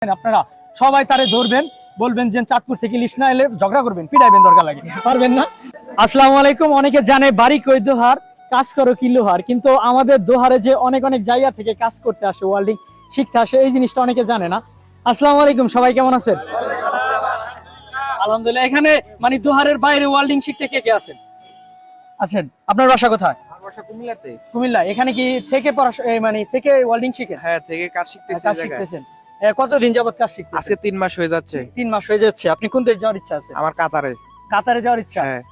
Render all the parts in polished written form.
আপনারা সবাই তারে ধরবেন, বলবেন যে চাঁদপুর থেকে ইলিশ না এলে ঝগড়া করবেন, পিটাইবেন, দরকার লাগে, পারবেন না? আসসালামু আলাইকুম। অনেকে জানে বাড়ি কই দোহার, কাজ করো কি লোহার, কিন্তু আমাদের দোহারে যে অনেক অনেক জায়গা থেকে কাজ করতে আসে, ওয়েল্ডিং শিখতে আসে, এই জিনিসটা অনেকে জানে না। আসসালামু আলাইকুম, সবাই কেমন আছেন? আলহামদুলিল্লাহ। এখানে মানে দোহারের বাইরে ওয়েল্ডিং শিখতে কে কে আছেন? আছেন। আপনার বাসা কোথায়? কুমিল্লাতে। কুমিল্লা। এখানে কি থেকে মানে থেকে ওয়েল্ডিং শিখেন? হ্যাঁ, থেকে কাজ শিখতেছি। কাজ শিখতেছেন। কতদিন যাবত কাজ শিখতেছেন? আজকে 3 মাস হয়ে যাচ্ছে। 3 মাস হয়ে যাচ্ছে। আপনি কোন দেশ যাওয়ার ইচ্ছা আছে? আমার কাতারে। কাতারে যাওয়ার ইচ্ছা? হ্যাঁ।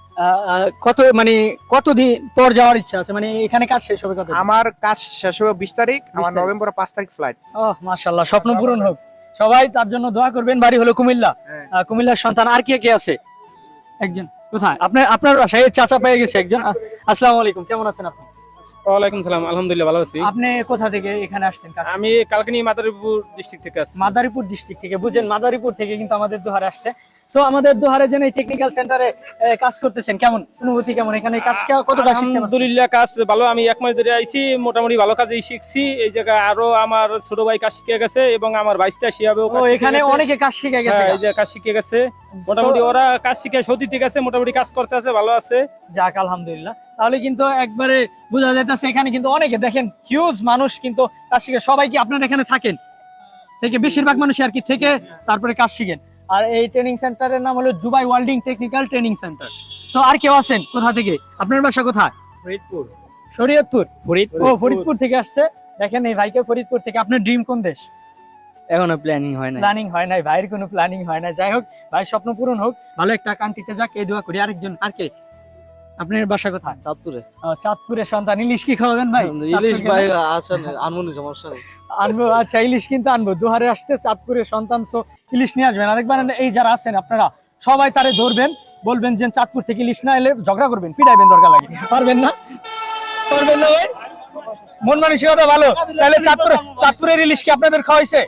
কতদিন পর যাওয়ার ইচ্ছা আছে, মানে এখানে কাজ শেষ হবে কত? আমার কাজ শেষ হবে 20 তারিখ, আমার নভেম্বর 5 তারিখ ফ্লাইট। ওহ মাশাআল্লাহ, স্বপ্ন পূরণ হোক। সবাই তার জন্য দোয়া করবেন। বাড়ি হলো কুমিল্লা। কুমিল্লার সন্তান। আর কে কে আছে? একজন। কোথায়? আপনার বাসায় চাচা পেয়ে গেছে একজন। আসসালামু আলাইকুম, কেমন আছেন আপনি? ওয়ালাইকুম সালাম, আলহামদুলিল্লাহ ভালো আছি। আপনি কোথা থেকে এখানে আসছেন? আমি কালকিনি মাদারীপুর ডিস্ট্রিক্ট থেকে আসছি। মাদারীপুর ডিস্ট্রিক্ট থেকে। বুঝেন, মাদারীপুর থেকে কিন্তু আমাদের দোহারে আসছে। সো আমাদের দোহারে যে টেকনিক্যাল সেন্টারে কাজ করতেছেন, কেমন অনুভূতি, কেমন এখানে কাজ কতটা শিখতে? আলহামদুলিল্লাহ কাজ ভালো। আমি 1 মাস ধরে আইছি, মোটামুটি ভালো কাজই শিখছি। এই জায়গায় আরো আমার ছোট ভাই কাজ শিখে গেছে এবং আমার ভাইস্তা শিয়াবেও কাজ শিখে গেছে। এখানে অনেকে কাজ শিখে গেছে। এই যে কাজ শিখে গেছে, মোটামুটি ওরা কাজ শিখে সতীতে গেছে, মোটামুটি কাজ করতে আছে, ভালো আছে। যাক আলহামদুলিল্লাহ। তাহলে কিন্তু একবারে বোঝা যাইতেছে এখানে কিন্তু অনেকে দেখেন হিউজ মানুষ কিন্তু কাজ শিখে। সবাই কি আপনার এখানে থাকেন? থেকে বেশিরভাগ মানুষ আর কি থেকে তারপরে কাজ শিখেন। আর এই ট্রেনিং সেন্টারের নাম হলো Dubai welding technical training centre. So আর কেউ আছেন? কোথা থেকে? আপনার বাসা কোথায়? ফরিদপুর। শরীয়তপুর। ফরিদপুর থেকে আসছে। দেখেন এই ভাইকে ফরিদপুর থেকে। আপনার ড্রিম কোন দেশ? এখনো প্ল্যানিং হয় না। প্ল্যানিং হয় নাই ভাইয়ের, কোনো প্ল্যানিং হয় না। যাই হোক, ভাই স্বপ্ন পূরণ হোক, ভালো একটা কান্ট্রিতে যাক, এই দোয়া করি। আরেকজন আর কে? আপনার বাসা কোথায়? চাঁদপুরে। চাঁদপুরের সন্তান। ইলিশ কি খাওয়াবেন ভাই? ইলিশ ভাই আছেন, আনমনি সমস্যা নেই। আনবো। আচ্ছা, ইলিশ কিন্তু আনবো। দোহারে আসছে, চাঁদপুরের সন্তান, সো ইলিশ নিয়ে আসবেন। আরেকবার এই যারা আছেন আপনারা সবাই তারে ধরবেন, বলবেন যে চাঁদপুর থেকে ইলিশ না এলে ঝগড়া করবেন, পিটাইবেন, দরকার লাগে, পারবেন না? পারবেন না ভাই? মন মানসিকতা ভালো। তাহলে চাঁদপুরের ইলিশ কি আপনাদের খাওয়াইছে?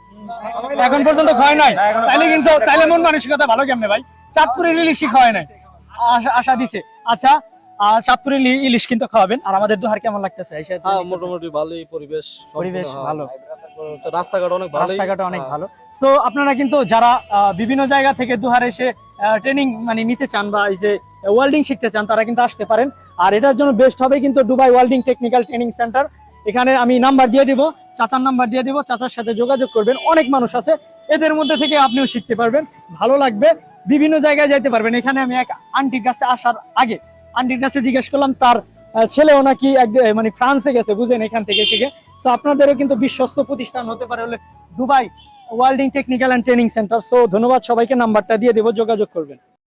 এখন পর্যন্ত খাওয়াই নাই। তাইলে মন মানসিকতা ভালো কেমনে ভাই? চাঁদপুরের ইলিশই খাওয়াই নাই, আশা দিছে। আচ্ছা, চাঁদপুরের ইলিশ কিন্তু খাওয়াবেন। আর আমাদের দোহার কেমন লাগতেছে? মোটামুটি ভালোই পরিবেশ ভালো, রাস্তাঘাট অনেক ভালো, রাস্তাঘাট অনেক ভালো। সো আপনারা কিন্তু যারা বিভিন্ন জায়গা থেকে দোহারে এসে ট্রেনিং মানে নিতে চান বা এই যে ওয়েল্ডিং শিখতে চান, তারা কিন্তু আসতে পারেন। আর এটার জন্য বেস্ট হবে কিন্তু Dubai welding technical training centre. এখানে আমি নাম্বার দিয়ে দিব, চাচার নাম্বার দিয়ে দিব, চাচার সাথে যোগাযোগ করবেন। অনেক মানুষ আছে, এদের মধ্যে থেকে আপনিও শিখতে পারবেন, ভালো লাগবে, বিভিন্ন জায়গায় যাইতে পারবেন। এখানে আমি এক আন্টির কাছে আসার আগে আন্টির কাছে জিজ্ঞেস করলাম, তার ছেলেও নাকি মানে ফ্রান্সে গেছে, বুঝেন, এখান থেকে শিখে। সো আপনাদেরও কিন্তু বিশ্বস্ত প্রতিষ্ঠান হতে পারে হলে Dubai welding technical and training centre. So ধন্যবাদ সবাইকে, নাম্বারটা দিয়ে দেবো, যোগাযোগ করবেন।